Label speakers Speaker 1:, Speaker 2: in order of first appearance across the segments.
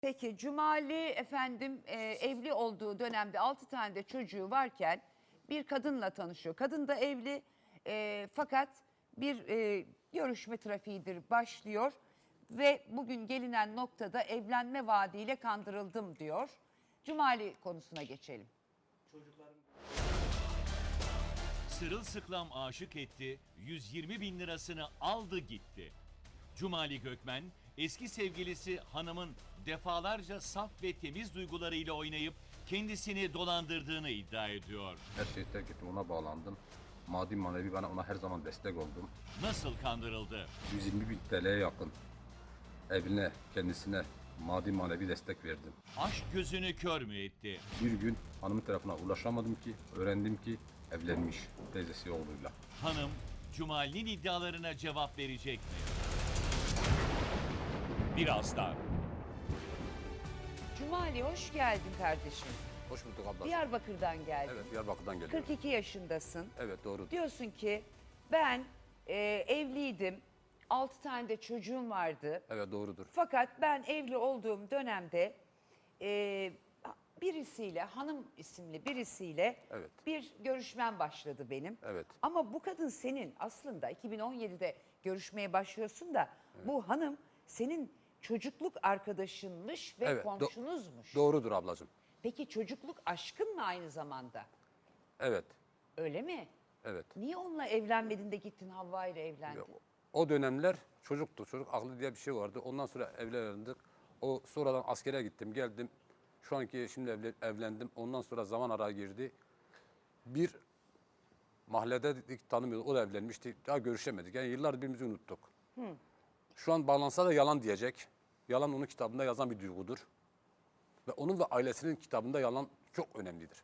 Speaker 1: Peki Cumali efendim evli olduğu dönemde 6 tane de çocuğu varken bir kadınla tanışıyor. Kadın da evli fakat bir görüşme trafiğidir başlıyor ve bugün gelinen noktada evlenme vaadiyle kandırıldım diyor. Cumali konusuna geçelim.
Speaker 2: Sırılsıklam aşık etti, 120 bin lirasını aldı gitti. Cumali Gökmen, eski sevgilisi hanımın defalarca saf ve temiz duygularıyla oynayıp kendisini dolandırdığını iddia ediyor.
Speaker 3: Her şeyi terk ettim, ona bağlandım. Maddi manevi bana ona her zaman destek oldum.
Speaker 2: Nasıl kandırıldı?
Speaker 3: 120 bin TL'ye yakın evine, kendisine maddi manevi destek verdim.
Speaker 2: Aşk gözünü kör mü etti?
Speaker 3: Bir gün hanımın tarafına ulaşamadım ki, öğrendim ki evlenmiş teyzesi oğluyla.
Speaker 2: Hanım, Cumali'nin iddialarına cevap verecek mi? Birazdan.
Speaker 1: Cumali hoş geldin kardeşim.
Speaker 3: Hoş bulduk abla.
Speaker 1: Diyarbakır'dan geldin.
Speaker 3: Evet, Diyarbakır'dan geliyorum.
Speaker 1: 42 yaşındasın.
Speaker 3: Evet, doğru.
Speaker 1: Diyorsun ki ben evliydim. 6 tane de çocuğum vardı.
Speaker 3: Evet, doğrudur.
Speaker 1: Fakat ben evli olduğum dönemde birisiyle, hanım isimli birisiyle
Speaker 3: Evet.
Speaker 1: bir görüşmem başladı benim.
Speaker 3: Evet.
Speaker 1: Ama bu kadın senin aslında 2017'de görüşmeye başlıyorsun da bu hanım senin çocukluk arkadaşınmış ve
Speaker 3: Evet,
Speaker 1: komşunuzmuş.
Speaker 3: Doğrudur ablacığım.
Speaker 1: Peki çocukluk aşkın mı aynı zamanda?
Speaker 3: Evet,
Speaker 1: Öyle mi?
Speaker 3: evet.
Speaker 1: Niye onunla evlenmedin de gittin Havva ile evlendin?
Speaker 3: O dönemler çocuktu. Çocuk aklı diye bir şey vardı. Ondan sonra evlendik. O sonradan askere gittim, geldim. Şu anki şimdi evlendim. Ondan sonra zaman araya girdi. Bir mahallede dedik, tanımıyorduk. O da evlenmişti. Daha görüşemedik. Yani yıllar birbirimizi unuttuk. Şu an bağlansa da yalan diyecek. Yalan onun kitabında yazan bir duygudur. Ve onun ve ailesinin kitabında yalan çok önemlidir.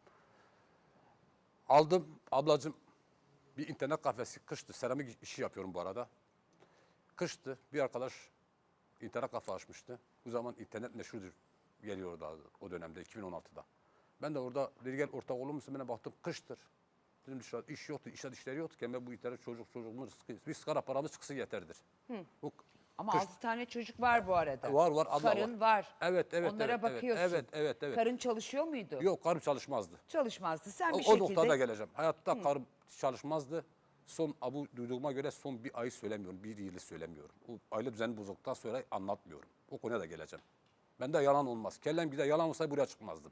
Speaker 3: Aldım ablacığım. Bir internet kafesi, kıştı. Seramik işi yapıyorum bu arada. Kıştı. Bir arkadaş internet kafe açmıştı. Bu zaman internet meşhurdur. Geliyordu o dönemde 2016'da. Ben de orada dedi gel ortak olur musun? Ben baktım kıştır. Dedim dışarı iş yoktu, işleri yoktu. Ben bu internet çocuğumun rızkı. Bir sigara paramız çıksın yeterdir. Bu
Speaker 1: Ama
Speaker 3: kış-
Speaker 1: 6 tane çocuk var bu arada.
Speaker 3: Var, abla
Speaker 1: Karın var.
Speaker 3: Evet,
Speaker 1: Onlara
Speaker 3: evet,
Speaker 1: bakıyorsun.
Speaker 3: evet.
Speaker 1: Karın çalışıyor muydu?
Speaker 3: Yok, karım çalışmazdı.
Speaker 1: Çalışmazdı. Sen bir
Speaker 3: O
Speaker 1: şekilde...
Speaker 3: noktada geleceğim. Hayatta karım çalışmazdı. Bu duyduğuma göre son bir ay söylemiyorum, bir yılı söylemiyorum. O aile düzeni bozulduktan sonra anlatmıyorum. O konuya da geleceğim. Bende yalan olmaz. Kellem gider yalan olsaydı buraya çıkmazdım.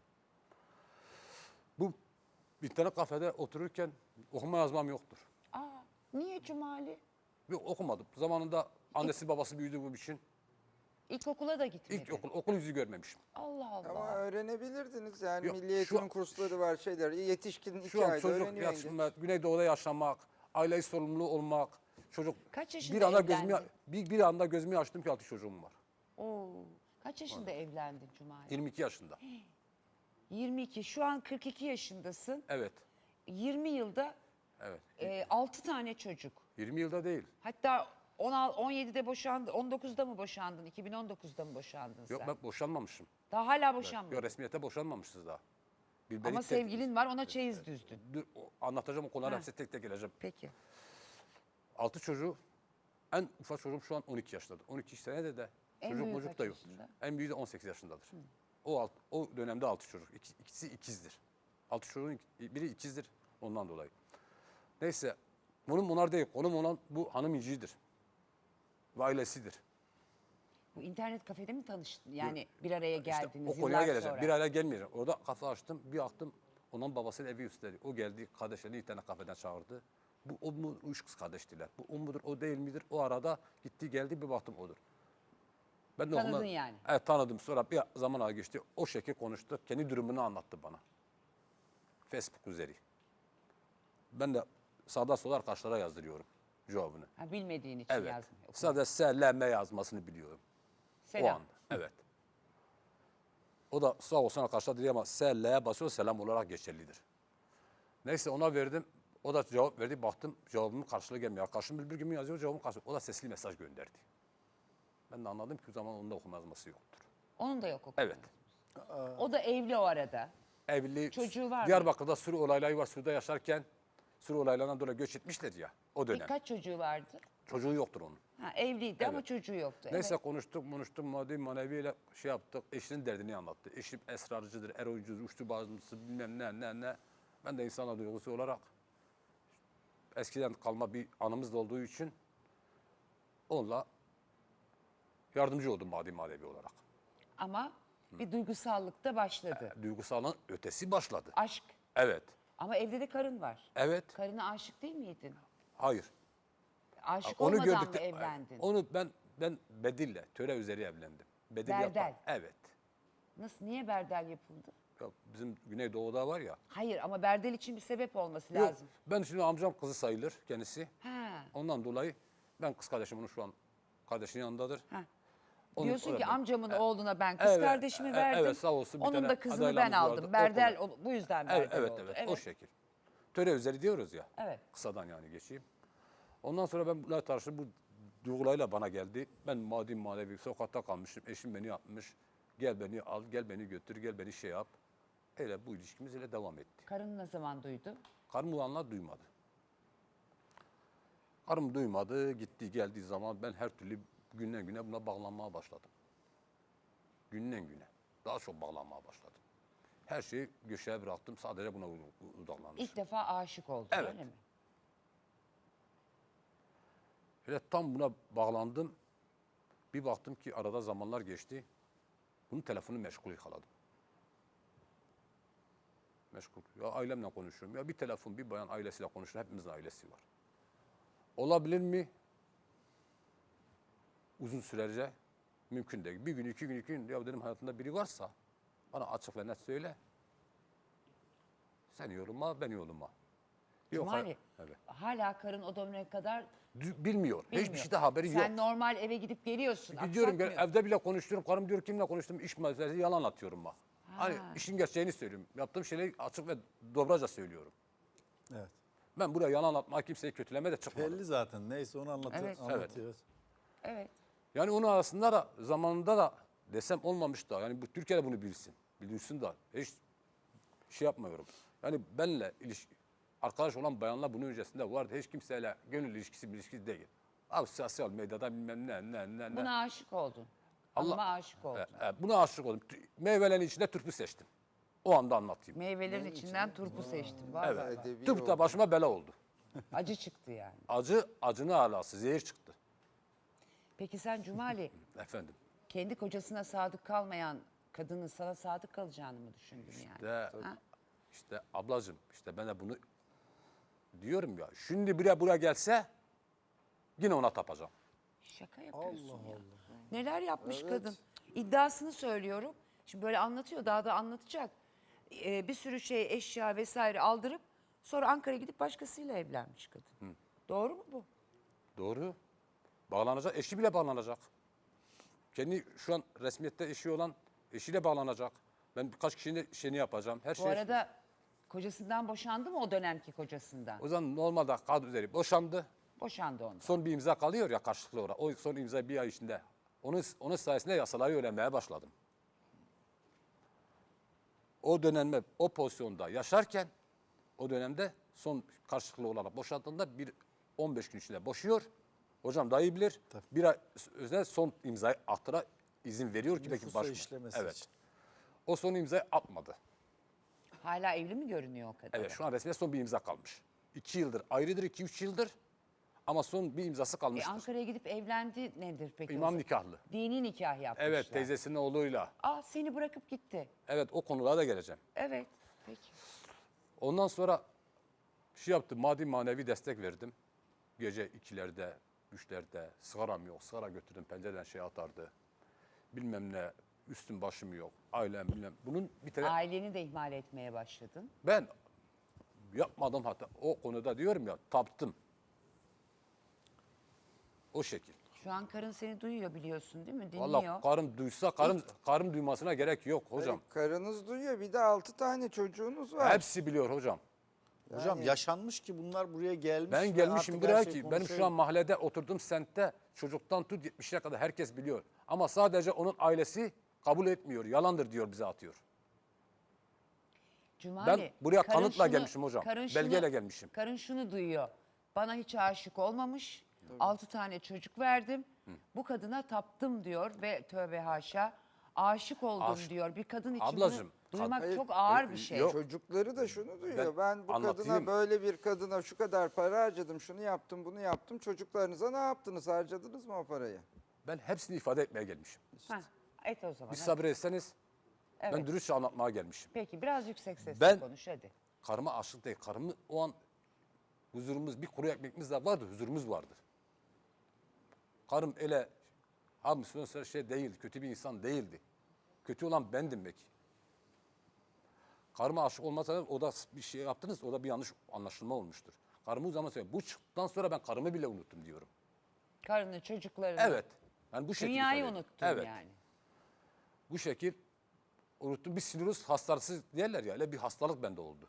Speaker 3: Bu internet kafede otururken okuma yazmam yoktur.
Speaker 1: Aa, niye Cumali?
Speaker 3: Yok, okumadım. Zamanında annesi babası büyüdü bu için.
Speaker 1: İlkokula da gitmedi.
Speaker 3: İlk okul yüzü görmemişim.
Speaker 1: Allah Allah.
Speaker 4: Ama öğrenebilirdiniz yani
Speaker 3: Yok,
Speaker 4: milli eğitim kursları var şeyler. Yetişkin 2
Speaker 3: Şu an
Speaker 4: ayda
Speaker 3: çocuk
Speaker 4: öğreniyor.
Speaker 3: yaşında, Güneydoğu'da yaşamak, aileyi sorumlu olmak, çocuk...
Speaker 1: Kaç yaşında
Speaker 3: bir anda
Speaker 1: evlendin?
Speaker 3: bir anda gözümü açtım ki 6 çocuğum var.
Speaker 1: Oo. Kaç yaşında evlendin Cumali?
Speaker 3: 22 yaşında.
Speaker 1: 22. Şu an 42 yaşındasın.
Speaker 3: Evet.
Speaker 1: 20 yılda
Speaker 3: Evet.
Speaker 1: 6 tane çocuk.
Speaker 3: 20 yılda değil.
Speaker 1: Hatta 17'de boşandın, 19'da mı boşandın, 2019'da mı boşandın sen?
Speaker 3: Yok, ben boşanmamışım.
Speaker 1: Daha hala boşanmadın.
Speaker 3: Yok, resmiyete boşanmamışız daha.
Speaker 1: Ama sevgilin var, ona çeyiz düzdün.
Speaker 3: Anlatacağım o konuları,
Speaker 1: Ha.
Speaker 3: hepsi tek tek geleceğim.
Speaker 1: Peki.
Speaker 3: 6 çocuğu, en ufak çocuğum şu an 12 yaşındadır. 12 senede de
Speaker 1: En
Speaker 3: çocuk
Speaker 1: büyüğü
Speaker 3: mocuk
Speaker 1: kaç
Speaker 3: da yoktur.
Speaker 1: yaşında?
Speaker 3: En büyüğü de 18 yaşındadır. O dönemde 6 çocuk. İkisi ikizdir. 6 çocuğun biri ikizdir ondan dolayı. Neyse, bunlar değil. Konum olan bu hanım İnci'dir. Ve ailesidir.
Speaker 1: Bu internet kafede mi tanıştın? Yani bir araya geldiniz
Speaker 3: İşte o konuya
Speaker 1: yıllar
Speaker 3: geleceğim.
Speaker 1: sonra.
Speaker 3: Bir araya gelmeyeceğim. Orada kafe açtım. Bir baktım. Onun babasının evi üstteydi. O geldi. Kardeşlerini internet kafeden çağırdı. Bu o mu? Üç kız kardeştiler. Bu o mudur? O değil midir? O arada gitti geldi. Bir baktım odur. Ben de
Speaker 1: Tanıdın yani.
Speaker 3: Evet, tanıdım. Sonra bir zaman geçti. O şekilde konuştuk. Kendi durumunu anlattı bana. Facebook üzeri. Ben de sağda sola arkadaşlara yazdırıyorum cevabını.
Speaker 1: Ha, bilmediğin için
Speaker 3: Evet.
Speaker 1: yazmıyor.
Speaker 3: Sadece SLM yazmasını biliyorum.
Speaker 1: Selam.
Speaker 3: O an. Evet. O da sağ olsun arkadaşlar dedi ama SL'ye basıyor, selam olarak geçerlidir. Neyse ona verdim. O da cevap verdi. Baktım cevabımın karşılığı gelmiyor. Arkadaşım bir gün yazıyor, cevabım karşılığı. O da sesli mesaj gönderdi. Ben de anladım ki o zaman onun da okuma yazması yoktur.
Speaker 1: Onun da yok okuma.
Speaker 3: Evet.
Speaker 1: O da evli o arada.
Speaker 3: Evli.
Speaker 1: Çocuğu var mı?
Speaker 3: Diyarbakır'da sürü olayları var. Sürüde yaşarken sürü olaylarından dolayı göç etmişler ya o dönem.
Speaker 1: Kaç çocuğu vardı?
Speaker 3: Çocuğu yoktur onun.
Speaker 1: Ha, evliydi ama
Speaker 3: Evet.
Speaker 1: çocuğu yoktu.
Speaker 3: Neyse
Speaker 1: Evet.
Speaker 3: konuştuk maddi maneviyle şey yaptık. Eşinin derdini anlattı. Eşim esrarcıdır, eroyuncudur, uçtu bazısı bilmem ne. Ben de insana duygusu olarak eskiden kalma bir anımız da olduğu için onunla yardımcı oldum maddi manevi olarak.
Speaker 1: Ama bir duygusallık da başladı.
Speaker 3: Duygusalın ötesi başladı.
Speaker 1: Aşk.
Speaker 3: Evet,
Speaker 1: Ama evde de karın var.
Speaker 3: evet,
Speaker 1: Karına aşık değil miydin?
Speaker 3: hayır.
Speaker 1: Aşık
Speaker 3: Onu
Speaker 1: olmadan
Speaker 3: gördük
Speaker 1: mı evlendin?
Speaker 3: Onu ben Bedil'le, töre üzeri evlendim. Bedil
Speaker 1: Berdel.
Speaker 3: yapan. Evet.
Speaker 1: Nasıl, niye berdel yapıldı?
Speaker 3: Ya bizim Güneydoğu'da var ya.
Speaker 1: Hayır ama berdel için bir sebep olması
Speaker 3: Yok,
Speaker 1: lazım.
Speaker 3: ben şimdi amcam kızı sayılır kendisi.
Speaker 1: Ha.
Speaker 3: Ondan dolayı ben kız kardeşim onun şu an kardeşinin yanındadır.
Speaker 1: Ha.
Speaker 3: Onu
Speaker 1: Diyorsun ki
Speaker 3: öğrendim.
Speaker 1: amcamın oğluna ben kız
Speaker 3: Evet,
Speaker 1: kardeşimi verdim.
Speaker 3: evet, sağ olsun bir
Speaker 1: Onun
Speaker 3: tane
Speaker 1: da kızını ben
Speaker 3: adaylığımız
Speaker 1: aldım.
Speaker 3: vardı,
Speaker 1: Berdel
Speaker 3: o
Speaker 1: bu yüzden
Speaker 3: Evet,
Speaker 1: berdel
Speaker 3: evet,
Speaker 1: oldu.
Speaker 3: evet, o şekil. Töre üzeri diyoruz ya.
Speaker 1: Evet.
Speaker 3: Kısadan yani geçeyim. Ondan sonra ben bunlar tartıştım. Bu duygularıyla bana geldi. Ben maddi manevi sokakta kalmışım. Eşim beni yapmış. Gel beni al, gel beni götür, gel beni şey yap. Öyle bu ilişkimiz öyle devam etti.
Speaker 1: Karın ne zaman duydu?
Speaker 3: Karım ulanlar duymadı. Karım duymadı. Gitti geldiği zaman ben her türlü günden güne buna bağlanmaya başladım. Günden güne. Daha çok bağlanmaya başladım. Her şeyi köşeye bıraktım. Sadece buna odaklanmışım.
Speaker 1: İlk defa aşık oldun
Speaker 3: Evet.
Speaker 1: öyle mi?
Speaker 3: Ve tam buna bağlandım. Bir baktım ki arada zamanlar geçti. Bunun telefonu meşgul yakaladım. Meşgul. Ya ailemle konuşuyorum. Ya bir telefon, bir bayan ailesiyle konuşuyor. Hepimizin ailesi var. Olabilir mi? Uzun sürece mümkün değil. Bir gün, iki gün, iki gün. Ya dedim hayatında biri varsa bana açık ve net söyle. Sen yoluma, ben yoluma. Yok,
Speaker 1: Cumali,
Speaker 3: evet.
Speaker 1: hala karın o döneme kadar
Speaker 3: Bilmiyor. Hiçbir
Speaker 1: bilmiyor.
Speaker 3: şeyde haberi yok.
Speaker 1: Sen normal eve gidip geliyorsun.
Speaker 3: Gidiyorum
Speaker 1: aksatmıyor.
Speaker 3: evde bile konuşuyorum. Karım diyor kimle konuştum iş meselesi yalan atıyorum bak. Hani işin gerçeğini söylüyorum. Yaptığım şeyleri açık ve dobraca söylüyorum.
Speaker 5: Evet.
Speaker 3: Ben buraya yalan atma kimseyi kötüleme de çıkmadım.
Speaker 5: Belli zaten. Neyse onu
Speaker 1: Evet.
Speaker 5: anlatıyoruz.
Speaker 1: Evet.
Speaker 3: Yani onun arasında da zamanında da desem olmamış da yani bu Türkiye'de bunu bilsin. Bilsin da hiç şey yapmıyorum. Yani benle arkadaş olan bayanlar bunun öncesinde vardı. Hiç kimseyle gönül ilişkisi değil. Abi sosyal medyada bilmem ne.
Speaker 1: Buna aşık oldun.
Speaker 3: Allah-
Speaker 1: Ama aşık oldun.
Speaker 3: Buna aşık oldum. Meyvelerin içinde türpü seçtim. O anda anlatayım.
Speaker 1: Meyvelerin içinden turpu seçtin. Vay
Speaker 3: Evet.
Speaker 1: vay vay.
Speaker 4: Edebi
Speaker 3: Türp de
Speaker 4: oldu.
Speaker 3: başıma bela oldu.
Speaker 1: Acı çıktı yani.
Speaker 3: Acının alası, zehir çıktı.
Speaker 1: Peki sen Cumali
Speaker 3: Efendim.
Speaker 1: kendi kocasına sadık kalmayan kadının sana sadık kalacağını mı düşündün yani? Ha?
Speaker 3: İşte ablacığım, işte ben de bunu diyorum ya. Şimdi buraya gelse yine ona tapacağım.
Speaker 1: Şaka yapıyorsun ya. Neler yapmış kadın? İddiasını söylüyorum. Şimdi böyle anlatıyor, daha da anlatacak. Bir sürü şey, eşya vesaire aldırıp sonra Ankara'ya gidip başkasıyla evlenmiş kadın. Doğru mu bu?
Speaker 3: Doğru. Bağlanacak, eşi bile bağlanacak. Kendi şu an resmiyette eşi olan eşiyle bağlanacak. Ben birkaç kişinin şeyini yapacağım. Her
Speaker 1: Bu
Speaker 3: şey.
Speaker 1: arada kocasından boşandı mı o dönemki kocasından?
Speaker 3: O zaman normalde kadın üzeri boşandı.
Speaker 1: Boşandı ondan.
Speaker 3: Son bir imza kalıyor ya karşılıklı olarak. O son imza bir ay içinde. Onun sayesinde yasaları öğrenmeye başladım. O dönemde o pozisyonda yaşarken o dönemde son karşılıklı olarak boşandığında 15 gün içinde boşuyor. Hocam daha iyi bilir. Bir ay özel son imzayı attıra izin veriyor ki belki
Speaker 5: Nüfusa
Speaker 3: başvuru.
Speaker 5: işlemesi
Speaker 3: Evet.
Speaker 5: için.
Speaker 3: O son imzayı atmadı.
Speaker 1: Hala evli mi görünüyor o kadar?
Speaker 3: Evet şu an resmen son bir imza kalmış. 2 yıldır ayrıdır, 2-3 yıldır. Ama son bir imzası kalmıştır.
Speaker 1: Ankara'ya gidip evlendi nedir peki?
Speaker 3: İmam nikahlı.
Speaker 1: Dini nikah yapmışlar.
Speaker 3: Evet teyzesinin oğluyla.
Speaker 1: Seni bırakıp gitti.
Speaker 3: Evet o konulara da geleceğim.
Speaker 1: Evet. Peki.
Speaker 3: Ondan sonra şey yaptım, maddi manevi destek verdim. Gece 2'lerde, 3'lerde sigaram yok. Sigara götürdüm, pencereden şey atardı. Bilmem ne, üstüm başım yok. Ailem bilmem. Bunun bir tane
Speaker 1: Aileni de ihmal etmeye başladın.
Speaker 3: ben yapmadım hatta o konuda diyorum ya taptım. O şekil.
Speaker 1: Şu an karın seni duyuyor biliyorsun değil mi? Dinliyor.
Speaker 3: Vallahi karım duysa karım duymasına gerek yok hocam.
Speaker 4: Karınız duyuyor. Bir de 6 tane çocuğunuz var.
Speaker 3: Hepsi biliyor hocam.
Speaker 5: Hocam yaşanmış ki bunlar buraya gelmiş.
Speaker 3: Ben
Speaker 5: ve
Speaker 3: gelmişim
Speaker 5: artık
Speaker 3: buraya
Speaker 5: her şey
Speaker 3: ki benim şu
Speaker 5: konuşuyor.
Speaker 3: an mahallede oturduğum semtte çocuktan tut 70'e kadar herkes biliyor. Ama sadece onun ailesi kabul etmiyor. Yalandır diyor bize atıyor.
Speaker 1: Cumali,
Speaker 3: Ben buraya
Speaker 1: karın
Speaker 3: kanıtla gelmişim hocam.
Speaker 1: karın
Speaker 3: Belgeyle gelmişim.
Speaker 1: Karın şunu duyuyor. Bana hiç aşık olmamış. 6 tane çocuk verdim. Bu kadına taptım diyor ve tövbe haşa aşık oldum diyor. Bir kadın için
Speaker 3: Ablacığım,
Speaker 1: bunu duymak
Speaker 4: Hayır,
Speaker 1: çok ağır bir şey.
Speaker 3: yok.
Speaker 4: Çocukları da şunu duyuyor. Ben bu
Speaker 3: anlatayım.
Speaker 4: kadına böyle bir kadına şu kadar para harcadım, şunu yaptım, bunu yaptım. Çocuklarınıza ne yaptınız? Harcadınız mı o parayı?
Speaker 3: Ben hepsini ifade etmeye gelmişim.
Speaker 1: Heh, et o zaman.
Speaker 3: Bir
Speaker 1: hadi.
Speaker 3: sabretseniz ben
Speaker 1: Evet.
Speaker 3: dürüstçe anlatmaya gelmişim.
Speaker 1: Peki biraz yüksek sesle
Speaker 3: Ben-
Speaker 1: konuş hadi.
Speaker 3: Karıma aşık değil. Karımı o an huzurumuz, bir kuru ekmeğimiz de vardı, huzurumuz vardı. Karım öyle Müslüman şey değildi, kötü bir insan değildi. Kötü olan bendim belki. Karıma aşık olmasa o da bir şey yaptınız, o da bir yanlış anlaşılma olmuştur. Karımı o zaman söylüyorum. Bu çıktıktan sonra ben karımı bile unuttum diyorum.
Speaker 1: Karını, çocuklarını,
Speaker 3: Evet. Ben bu şekilde
Speaker 1: dünyayı
Speaker 3: ifade ediyorum.
Speaker 1: unuttun
Speaker 3: Evet.
Speaker 1: yani.
Speaker 3: Bu şekil unuttum. Bir sinüs hastası derler ya, öyle bir hastalık bende oldu.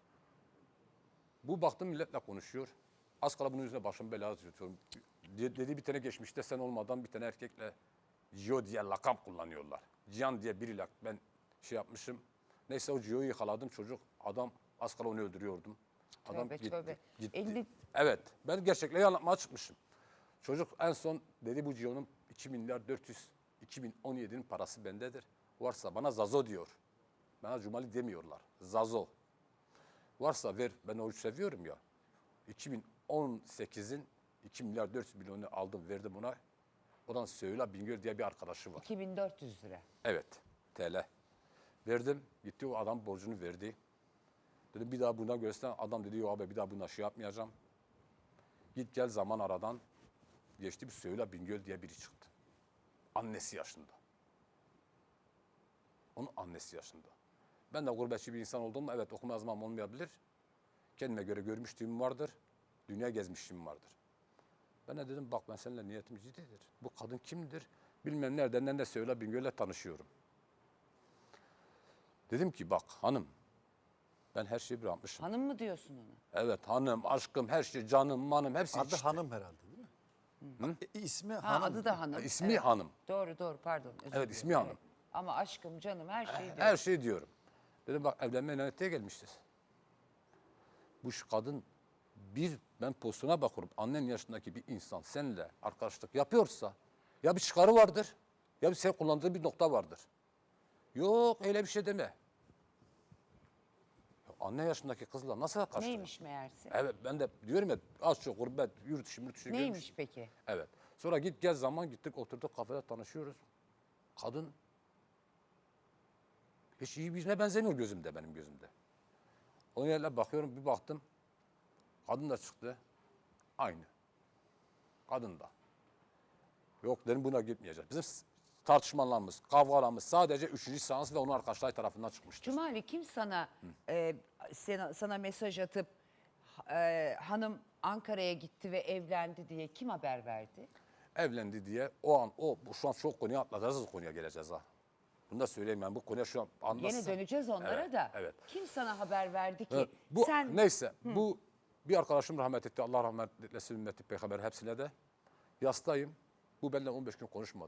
Speaker 3: Bu baktım milletle konuşuyor. Az kala bunun yüzüne başım belaya tutuyorum. Dedi bir tane geçmişte sen olmadan bir tane erkekle Gio diye lakap kullanıyorlar. Cihan diye biriyle ben şey yapmışım. Neyse o Gio'yu yakaladım çocuk. Adam az kala onu öldürüyordum. Adam
Speaker 1: Tövbe,
Speaker 3: gitti.
Speaker 1: tövbe.
Speaker 3: Gitti.
Speaker 1: 50
Speaker 3: Evet. Ben gerçekleri anlatmaya çıkmışım. Çocuk en son dedi bu Gio'nun 2 milyar 400 2017'nin parası bendedir. Varsa bana Zazo diyor. Bana Cumali demiyorlar. Zazo. Varsa ver, ben oruç seviyorum ya. 2018'in 2 milyar 400 milyonu aldım, verdim ona. Odan Söğüla Bingöl diye bir arkadaşı var.
Speaker 1: 2400 lira.
Speaker 3: Evet, TL. Verdim, gitti o adam borcunu verdi. Dedim bir daha buna göster. Adam dedi yok abi bir daha buna şey yapmayacağım. Git gel zaman aradan geçti bir Söğüla Bingöl diye biri çıktı. Annesi yaşında. Onun annesi yaşında. Ben de gurbetçi bir insan olduğum evet okuma yazmam olmayabilir. Kendime göre görmüşlüğüm vardır. Dünya gezmişliğim vardır. Ben de dedim bak ben seninle niyetim ciddidir. Bu kadın kimdir? Bilmem nereden de Söğüla Bingöl'le tanışıyorum. Dedim ki bak hanım ben her şeyi bırakmışım.
Speaker 1: Hanım mı diyorsun ona?
Speaker 3: Evet hanım, aşkım, her şey, canım, manım hepsi
Speaker 5: Adı
Speaker 3: işte.
Speaker 5: hanım herhalde değil mi? İsmi
Speaker 1: Ha,
Speaker 5: hanım.
Speaker 1: adı da hanım.
Speaker 3: İsmi
Speaker 1: Evet.
Speaker 3: hanım.
Speaker 1: Doğru pardon. özür
Speaker 3: Evet,
Speaker 1: dilerim.
Speaker 3: ismi hanım.
Speaker 1: Ama aşkım, canım her şey diyor.
Speaker 3: Her şey diyorum. Dedim bak evlenmeye lanetliğe gelmişiz. Bu şu kadın ben pozisyona bakıyorum. Annen yaşındaki bir insan seninle arkadaşlık yapıyorsa ya bir çıkarı vardır ya bir sen kullandığı bir nokta vardır. Yok öyle bir şey deme. Ya anne yaşındaki kızla nasıl arkadaşlık?
Speaker 1: Neymiş meğerse?
Speaker 3: Evet ben de diyorum ya az çok gurbet, yurt dışı görmüş.
Speaker 1: Neymiş peki?
Speaker 3: Evet. Sonra git gel zaman gittik oturduk kafede tanışıyoruz. Kadın hiç iyi birine benzemiyor gözümde benim gözümde. Onun yerine bakıyorum bir baktım. Kadın da çıktı. Aynı. Kadın da. Yok dedim buna gitmeyeceğiz. Bizim tartışmalarımız, kavgalarımız sadece 3. seans ve onun arkadaşları tarafından çıkmıştır.
Speaker 1: Cumali kim sana sana mesaj atıp hanım Ankara'ya gitti ve evlendi diye kim haber verdi?
Speaker 3: Evlendi diye o an şu an çok konuya atlayacağız o konuya geleceğiz ha. Bunu da söyleyeyim ben bu konuya şu an anlatsam.
Speaker 1: Yine döneceğiz onlara
Speaker 3: Evet,
Speaker 1: da.
Speaker 3: evet.
Speaker 1: Kim sana haber verdi ki?
Speaker 3: Evet, bu
Speaker 1: sen
Speaker 3: neyse bu bir arkadaşım rahmet etti. Allah rahmet eylesin ümmeti peygamber hepsine de. Yastayım. Bu benimle 15 gün konuşmadı.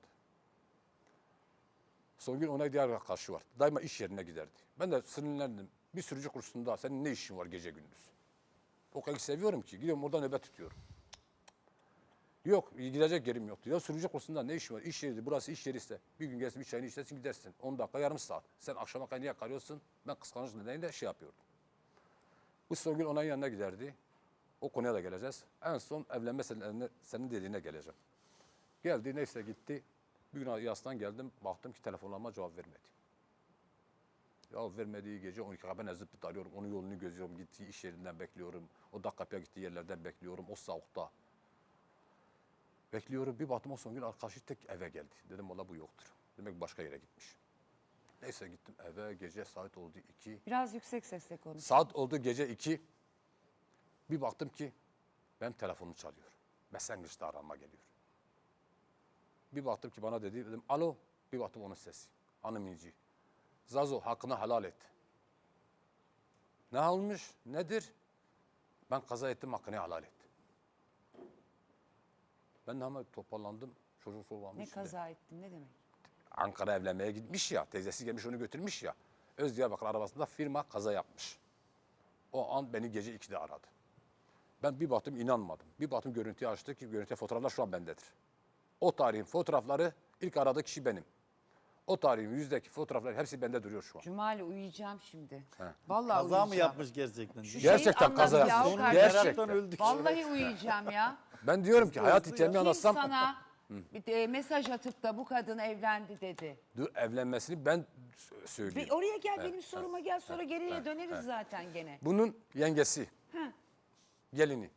Speaker 3: Son gün ona diğer arkadaşı var. Daima iş yerine giderdi. Ben de sinirlendim. Bir sürücü kursunda senin ne işin var gece gündüz? O kadar seviyorum ki gidiyorum orada nöbet tutuyorum. Yok gidecek yerim yoktu. Ya sürücü kursunda ne işin var? İş yeri burası iş yeri ise bir gün gelsin bir çayını içersin gidersin. 10 dakika yarım saat. Sen akşama kadar niye kalıyorsun? Ben kıskanç nedeniyle şey yapıyordum. Bu son gün onun yanına giderdi. O konuya da geleceğiz. En son evlenme senin dediğine geleceğim. Geldi neyse gitti. Bir gün yastan geldim. Baktım ki telefonlarıma cevap vermedi. Ya vermediği gece 12'ye ben ezip arıyorum. Onun yolunu gözüyorum. Gittiği iş yerinden bekliyorum. O da kapıya gittiği yerlerden bekliyorum. O soğukta. Bekliyorum. Bir baktım o son gün arkadaşı tek eve geldi. Dedim valla bu yoktur. Demek başka yere gitmiş. Neyse gittim eve. Gece saat oldu 2.
Speaker 1: biraz yüksek sesle konuş.
Speaker 3: Saat oldu gece 2. Bir baktım ki benim telefonum çalıyor. Messenger'da arama geliyor. Bir baktım ki bana dedi. Dedim alo. Bir baktım onun sesi. Hanım İnci. Zazo hakkını helal et. Ne olmuş? Nedir? Ben kaza ettim hakkını helal et. Ben de hemen toparlandım. Çocuk sorulmuş.
Speaker 1: Ne kaza ettin ne demek?
Speaker 3: Ankara evlenmeye gitmiş ya. Teyzesi gelmiş onu götürmüş ya. Özdiyarbakır arabasında firma kaza yapmış. O an beni gece 2'de aradı. Ben bir baktım inanmadım. Bir baktım görüntüyü açtı ki görüntü fotoğraflar şu an bendedir. O tarihin fotoğrafları ilk aradığı kişi benim. O tarihin yüzdeki fotoğraflar hepsi bende duruyor şu an.
Speaker 1: Cumali uyuyacağım şimdi. Vallahi
Speaker 5: Kaza
Speaker 1: uyuyacağım.
Speaker 5: mı yapmış gerçekten?
Speaker 1: Şu
Speaker 3: Gerçekten
Speaker 1: şeyi
Speaker 3: kaza
Speaker 1: anlat ya,
Speaker 3: yapmış.
Speaker 1: o
Speaker 5: Meraktan
Speaker 1: kardeşim.
Speaker 3: Gerçekten.
Speaker 5: öldük.
Speaker 1: Vallahi uyuyacağım ya.
Speaker 3: Ben diyorum ki hayat hikayemi
Speaker 1: Kim
Speaker 3: anlatsam
Speaker 1: sana bir de mesaj atıp da bu kadın evlendi dedi.
Speaker 3: dur, evlenmesini ben söyleyeyim.
Speaker 1: Bir oraya gel benim soruma gel sonra geriye döneriz zaten gene.
Speaker 3: Bunun yengesi, gelini.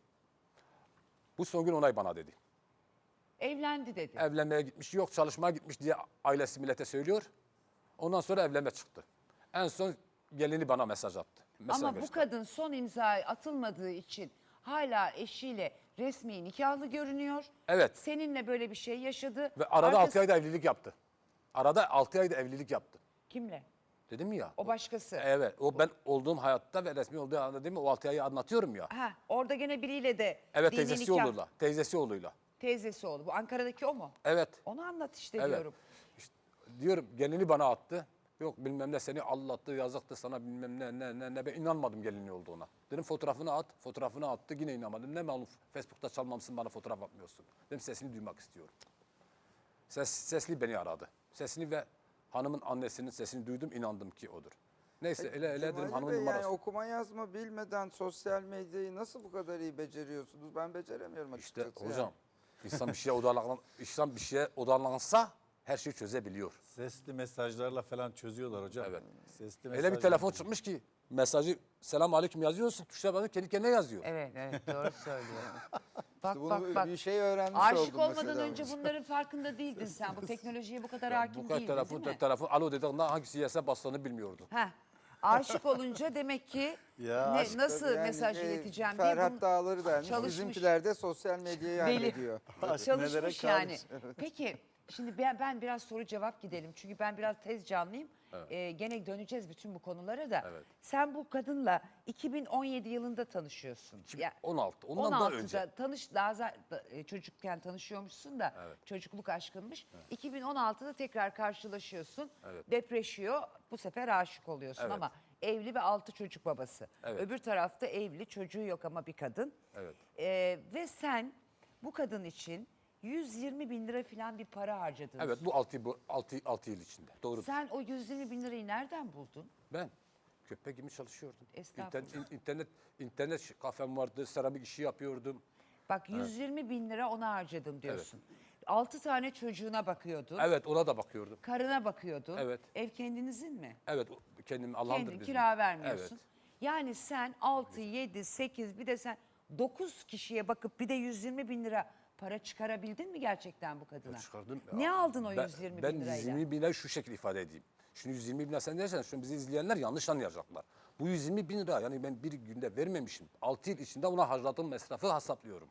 Speaker 3: Bu son gün onay bana dedi.
Speaker 1: Evlendi dedi.
Speaker 3: Evlenmeye gitmiş, yok çalışmaya gitmiş diye ailesi millete söylüyor. Ondan sonra evlenme çıktı. En son gelini bana mesaj attı. Mesaj
Speaker 1: Ama bu
Speaker 3: gösterdi.
Speaker 1: kadın son imza atılmadığı için hala eşiyle resmi nikahlı görünüyor.
Speaker 3: Evet.
Speaker 1: Seninle böyle bir şey yaşadı.
Speaker 3: Ve arada
Speaker 1: Arkası-
Speaker 3: 6 ayda evlilik yaptı. Arada 6 ayda evlilik yaptı.
Speaker 1: Kimle?
Speaker 3: Dedim ya.
Speaker 1: O başkası.
Speaker 3: Evet. O ben olduğum hayatta ve resmi olduğu anda değil mi? O 6 ayı anlatıyorum ya.
Speaker 1: Ha, orada gene biriyle de
Speaker 3: Evet,
Speaker 1: dini
Speaker 3: teyzesi
Speaker 1: nikah-
Speaker 3: oğluyla. Teyzesi oğluyla.
Speaker 1: Teyzesi oldu. Bu Ankara'daki o mu?
Speaker 3: Evet.
Speaker 1: Onu anlat işte
Speaker 3: Evet.
Speaker 1: diyorum.
Speaker 3: İşte diyorum gelini bana attı. Yok bilmem ne seni allattı, yazıktı sana bilmem ne. Ben inanmadım gelini olduğuna. Dedim fotoğrafını at. Fotoğrafını attı yine inanmadım. Ne malum Facebook'ta çalmamışsın bana fotoğraf atmıyorsun. Dedim sesini duymak istiyorum. Sesli beni aradı. Sesini ve hanımın annesinin sesini duydum inandım ki odur. Neyse öyle dedim
Speaker 4: Cumali
Speaker 3: hanımın
Speaker 4: Bey,
Speaker 3: numarası.
Speaker 4: yani okuma yazma bilmeden sosyal medyayı nasıl bu kadar iyi beceriyorsunuz? Ben beceremiyorum
Speaker 3: İşte
Speaker 4: açıkçası.
Speaker 3: hocam insan bir şeye odaklansa her şeyi çözebiliyor.
Speaker 5: Sesli mesajlarla falan çözüyorlar hocam.
Speaker 3: Evet.
Speaker 5: Sesli
Speaker 3: Öyle bir
Speaker 5: mesajla-
Speaker 3: telefon çıkmış ki mesajı selam aleyküm yazıyorsun. Tuşlara basıp kendi kendine yazıyor.
Speaker 1: Evet doğru söylüyor. Bak
Speaker 4: Bunu
Speaker 1: bak bak.
Speaker 4: bir şey öğrenmiş
Speaker 1: Aşık
Speaker 4: oldum
Speaker 1: olmadan
Speaker 4: mesela.
Speaker 1: önce bunların farkında değildin sen. Bu teknolojiye bu kadar hakim
Speaker 3: Bu kadar
Speaker 1: değildin
Speaker 3: telefon,
Speaker 1: değil mi?
Speaker 3: telefon alo dedi ondan hangisi yerse bastığını bilmiyordu.
Speaker 1: Heh. Aşık olunca demek ki
Speaker 5: Ya aşk
Speaker 1: nasıl
Speaker 4: Yani,
Speaker 1: mesaj ileteceğim diye
Speaker 4: Ferhat
Speaker 1: bunu
Speaker 4: Dağları dermiş.
Speaker 1: çalışmış.
Speaker 4: Bizimkiler de sosyal medyayı
Speaker 1: Deli.
Speaker 4: hallediyor.
Speaker 5: Nelere
Speaker 1: çalışmış yani.
Speaker 5: kalmış.
Speaker 1: Peki şimdi ben biraz soru cevap gidelim. Çünkü ben biraz tez canlıyım. Gene döneceğiz bütün bu konulara da.
Speaker 3: Evet.
Speaker 1: Sen bu kadınla 2017 yılında tanışıyorsun. Ya,
Speaker 3: 16. Ondan daha önce.
Speaker 1: 16'da çocukken tanışıyormuşsun da çocukluk aşkınmış. 2016'da tekrar karşılaşıyorsun.
Speaker 3: Evet.
Speaker 1: Depreşiyor. Bu sefer aşık oluyorsun
Speaker 3: Evet.
Speaker 1: ama evli ve 6 çocuk babası.
Speaker 3: Evet.
Speaker 1: Öbür tarafta evli, çocuğu yok ama bir kadın.
Speaker 3: Evet.
Speaker 1: Ve sen bu kadın için 120 bin lira falan bir para harcadın.
Speaker 3: Evet bu 6 yıl içinde. Doğru.
Speaker 1: Sen o 120 bin lirayı nereden buldun?
Speaker 3: Ben köpek gibi çalışıyordum.
Speaker 1: Estağfurullah.
Speaker 3: İnternet kafem vardı. Seramik işi yapıyordum.
Speaker 1: Bak 120 bin lira ona harcadım diyorsun. 6 tane çocuğuna bakıyordun.
Speaker 3: Evet ona da bakıyordum.
Speaker 1: Karına bakıyordun.
Speaker 3: Evet.
Speaker 1: Ev kendinizin mi?
Speaker 3: Evet kendim Allah'ımdır
Speaker 1: Kendin
Speaker 3: bizim.
Speaker 1: kira vermiyorsun.
Speaker 3: Evet.
Speaker 1: Yani sen 6, 7, 8 bir de sen 9 kişiye bakıp bir de 120 bin lira para çıkarabildin mi gerçekten bu kadına?
Speaker 3: Çıkardım.
Speaker 1: Ne aldın o 120
Speaker 3: ben
Speaker 1: bin lirayla?
Speaker 3: 120 bin lirayı şu şekilde ifade edeyim. Şimdi 120 bin lira sen dersen şimdi bizi izleyenler yanlış anlayacaklar. Bu 120 bin lira yani ben bir günde vermemişim. 6 yıl içinde ona harcadığım masrafı hesaplıyorum.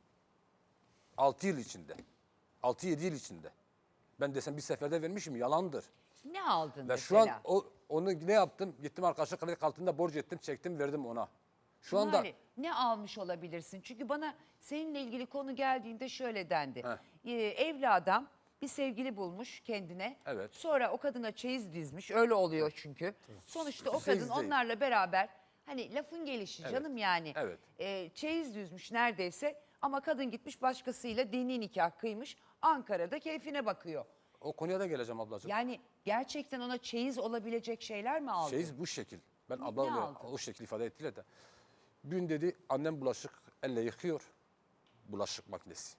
Speaker 3: 6 yıl içinde. 6-7 yıl içinde. Ben desem bir seferde vermişim yalandır.
Speaker 1: Ne aldın
Speaker 3: Ve
Speaker 1: mesela?
Speaker 3: şu an onu ne yaptım? Gittim arkadaşa kredi kartında borç ettim, çektim, verdim ona. Şu anda
Speaker 1: Cumali, ne almış olabilirsin? Çünkü bana seninle ilgili konu geldiğinde şöyle dendi. Evli adam bir sevgili bulmuş kendine.
Speaker 3: Evet.
Speaker 1: Sonra o kadına çeyiz dizmiş. Öyle oluyor çünkü. Sonuçta o
Speaker 3: Çeyiz
Speaker 1: kadın
Speaker 3: değil.
Speaker 1: onlarla beraber hani lafın gelişi canım yani.
Speaker 3: Evet.
Speaker 1: Çeyiz düzmüş neredeyse ama kadın gitmiş başkasıyla dini nikah kıymış. Ankara'da keyfine bakıyor.
Speaker 3: o konuya da geleceğim ablacığım.
Speaker 1: Yani gerçekten ona çeyiz olabilecek şeyler mi aldın?
Speaker 3: Şeyiz bu şekil. Ben
Speaker 1: Ne
Speaker 3: ablamla
Speaker 1: aldın?
Speaker 3: o şekil ifade ettiler de. Gün dedi annem bulaşık elle yıkıyor. Bulaşık makinesi.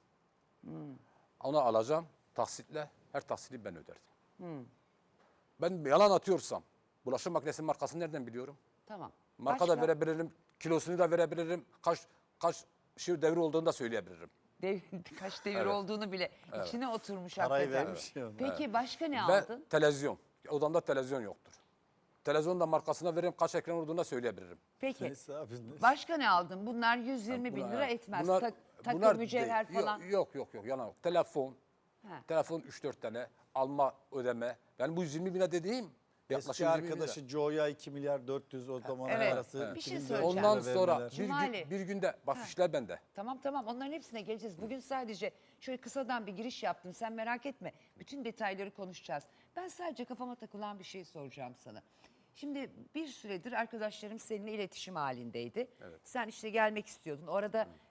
Speaker 3: Onu alacağım taksitle. Her taksiti ben öderdim. Ben yalan atıyorsam bulaşık makinesinin markasını nereden biliyorum?
Speaker 1: Tamam.
Speaker 3: Marka da verebilirim. Kilosunu da verebilirim. Kaç şey devri olduğunu da söyleyebilirim.
Speaker 1: Kaç devir
Speaker 3: Evet.
Speaker 1: olduğunu bile içine oturmuş
Speaker 5: Parayı
Speaker 1: hakikaten.
Speaker 5: vermiş ya ona.
Speaker 1: Peki başka ne
Speaker 3: Ve
Speaker 1: aldın?
Speaker 3: televizyon. Odamda televizyon yoktur. Televizyon da markasına veririm. Kaç ekran olduğunu da söyleyebilirim.
Speaker 1: Peki
Speaker 5: Neyse abi, ne-
Speaker 1: başka ne aldın? Bunlar 120 bin lira etmez. Takı,
Speaker 3: bunlar
Speaker 1: mücevher
Speaker 3: değil.
Speaker 1: falan.
Speaker 3: Yok yalan yok. Telefon.
Speaker 1: Ha.
Speaker 3: Telefon 3-4 tane. Alma ödeme. Yani bu 120 bine dediğim yaklaşık
Speaker 5: Eski
Speaker 3: 120 bin lira.
Speaker 5: arkadaşı Joe'ya 2 milyar 400 o zaman
Speaker 1: Evet.
Speaker 5: arası.
Speaker 1: Bir şey
Speaker 5: 2400
Speaker 1: söyleyeceğim.
Speaker 3: Ondan
Speaker 5: lira
Speaker 3: sonra
Speaker 5: vermeler.
Speaker 1: Cumali.
Speaker 3: bir günde bak fişler bende.
Speaker 1: Tamam onların hepsine geleceğiz. Bugün sadece şöyle kısadan bir giriş yaptım. Sen merak etme. Bütün detayları konuşacağız. Ben sadece kafama takılan bir şey soracağım sana. Şimdi bir süredir arkadaşlarım seninle iletişim halindeydi. Sen işte gelmek istiyordun. Orada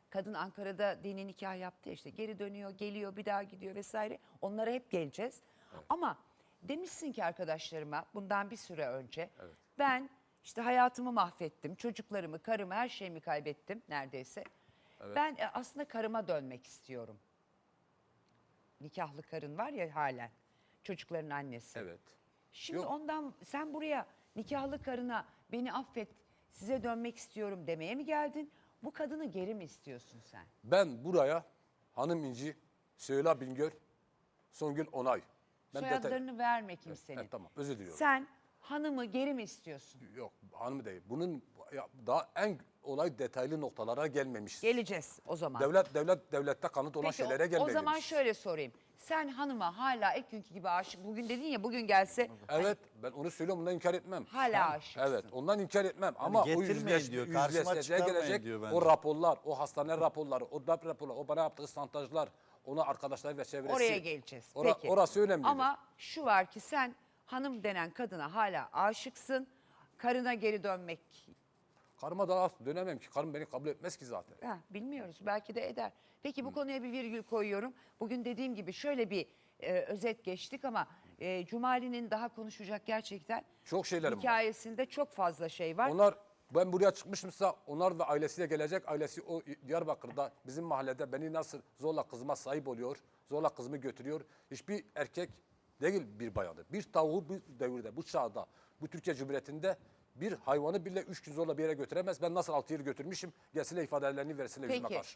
Speaker 1: Kadın Ankara'da dini nikah yaptı ya, işte geri dönüyor, geliyor, bir daha gidiyor vesaire. Onlara hep geleceğiz. Ama demişsin ki arkadaşlarıma bundan bir süre önce ben işte hayatımı mahvettim, çocuklarımı, karımı, her şeyimi kaybettim neredeyse. Ben aslında karıma dönmek istiyorum. Nikahlı karın var ya halen, çocukların annesi.
Speaker 3: Evet.
Speaker 1: Şimdi
Speaker 3: Yok.
Speaker 1: ondan sen buraya nikahlı karına beni affet, size dönmek istiyorum demeye mi geldin? Bu kadını geri mi istiyorsun sen?
Speaker 3: Ben buraya Hanım İnci, Süheyla Bingöl, Songül Onay. Ben
Speaker 1: Soyadlarını verme kimsenin.
Speaker 3: Evet, tamam, özür diliyorum.
Speaker 1: Sen hanımı geri mi istiyorsun?
Speaker 3: Yok, hanım değil. Bunun daha en olay detaylı noktalara gelmemiş.
Speaker 1: Geleceğiz o zaman.
Speaker 3: Devlette kanıt olan
Speaker 1: Peki
Speaker 3: şeylere
Speaker 1: o
Speaker 3: gelmemiş.
Speaker 1: zaman şöyle sorayım. Sen hanıma hala ilk günkü gibi aşık, bugün dedin ya, bugün gelse
Speaker 3: Evet, ben onu söylüyorum, ondan inkar etmem.
Speaker 1: hala aşıksın.
Speaker 3: Evet, ondan inkar etmem ama o
Speaker 5: getirmeyin diyor, karşıma
Speaker 3: yüzleşmeye
Speaker 5: çıkarmayın
Speaker 3: gelecek
Speaker 5: diyor bence.
Speaker 3: o raporlar, o hastane raporları, o DAP raporları, o bana yaptığı santajlar, ona arkadaşlar ve çevresi.
Speaker 1: Oraya geleceğiz. Peki.
Speaker 3: Orası önemli.
Speaker 1: Ama şu var ki sen hanım denen kadına hala aşıksın. Karına geri dönmek,
Speaker 3: Karıma daha dönemem ki. Karım beni kabul etmez ki zaten.
Speaker 1: bilmiyoruz, belki de eder. Peki bu konuya bir virgül koyuyorum. Bugün dediğim gibi şöyle bir özet geçtik ama Cumali'nin daha konuşacak gerçekten
Speaker 3: Çok şeylerim var.
Speaker 1: hikayesinde çok fazla şey var.
Speaker 3: Onlar, ben buraya çıkmışımsa onlar ve ailesiyle gelecek. Ailesi o Diyarbakır'da bizim mahallede beni nasıl zorla kızıma sahip oluyor, zorla kızımı götürüyor. Hiçbir erkek değil bir bayanı. Bir tavuğu bu devirde, bu çağda, bu Türkiye Cumhuriyeti'nde bir hayvanı bile 3 gün zorla bir yere götüremez. Ben nasıl 6 yıl götürmüşüm, gelsinler ifadelerini versinler yüzüme
Speaker 1: Peki
Speaker 3: karşı.